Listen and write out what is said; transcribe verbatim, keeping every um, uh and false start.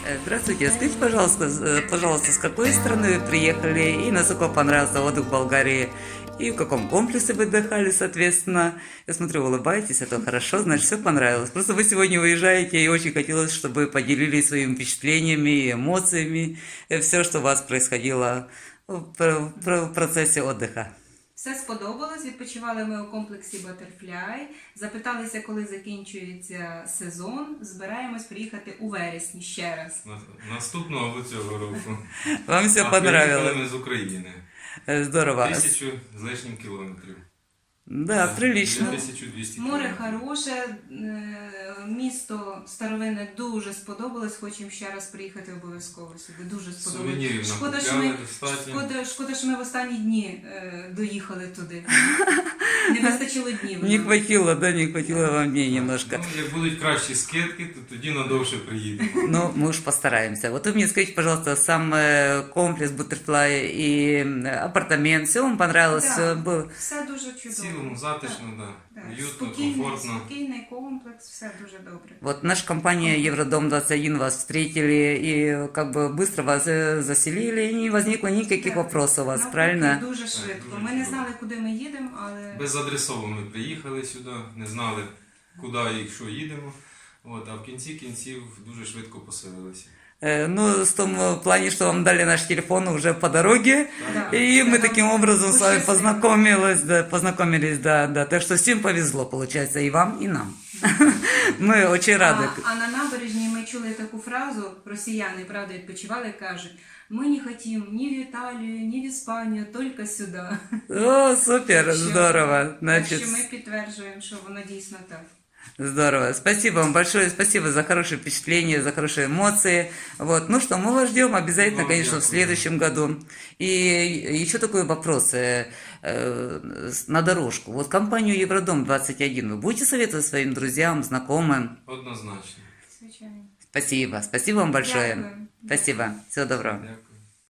Э, Здравствуйте, скажите, пожалуйста, с- э, пожалуйста, с какой страны вы приехали и насколько понравился отдых в Болгарии? И в каком комплексе вы отдыхали, соответственно? Я смотрю, улыбаетесь, это хорошо, значит, все понравилось. Просто вы сегодня уезжаете, и очень хотелось, чтобы вы поделились своими впечатлениями и эмоциями, все, что у вас происходило в пр- пр- в процессе отдыха. Все сподобалось. Відпочивали ми у комплексі Butterfly. Запиталися, коли закінчується сезон. Збираємось приїхати у вересні ще раз. На- Наступного або цього року. Вам все А приїхали понравилось? ми з України. Э, Здорово. Тисячу з лишнім кілометрів. Да, прилично. тисяча двісті Море кілометрів. хороше, е, місто старовинне дуже сподобалось. Хочемо ще раз приїхати обов'язково сюди. Дуже сподобалось. Сувенірів Шкода, що накупляли ми, достатньо. шкода, шкода, що ми в останні дні е, доїхали туди. Не вистачило днів. Не хватило, да, не хватило вам дней немножко. Ну, як будуть кращі скидки, то тоді надовше приїдемо. Ну, мы уж постараемся. Вот вы мне скажите, пожалуйста, сам э, комплекс Butterfly и э, апартамент, все вам понравилось? Да. Все было? Все дуже В чудово. цілому затишно, да. Так, Уютно, спокійний, комфортно. спокійний комплекс, все дуже добре. Вот наша компания Евродом двадцать один вас встретили и как бы быстро вас э, заселили, и не возникло никаких Так. вопросов у вас, Навпаки, правильно? Дуже швидко. дуже Ми не чудово. знали, куди ми їдемо, але Безадресово ми приїхали сюди, не знали, куди і що їдемо. От, а в кінці кінців дуже швидко поселилися. Э, Ну, в том э, плане, что вам дали наш телефон уже по дороге, Да. и мы Да. таким образом с вами Путешествие. познакомились, да, познакомились, да, да. Так что всем повезло, получается, и вам, и нам. Мы очень рады. А, а на набережні ми чули таку фразу, росіяни, правда, відпочивали, кажуть, ми не хотімо ні в Італію, ні в Іспанію, тільки сюди. О, супер, Так що- здорово. Так Значит, що ми підтверджуємо, що воно дійсно так. здорово. Спасибо вам большое, спасибо за хорошие впечатления, за хорошие эмоции. Вот. Ну что, мы вас ждем обязательно, Вам конечно, в дякую. следующем году. И еще такой вопрос э, э, с- на дорожку. Вот компанию Евродом двадцать один вы будете советовать своим друзьям, знакомым? Однозначно. Звичайно. Спасибо, спасибо вам большое. Дякую. Спасибо, всего доброго. Дякую.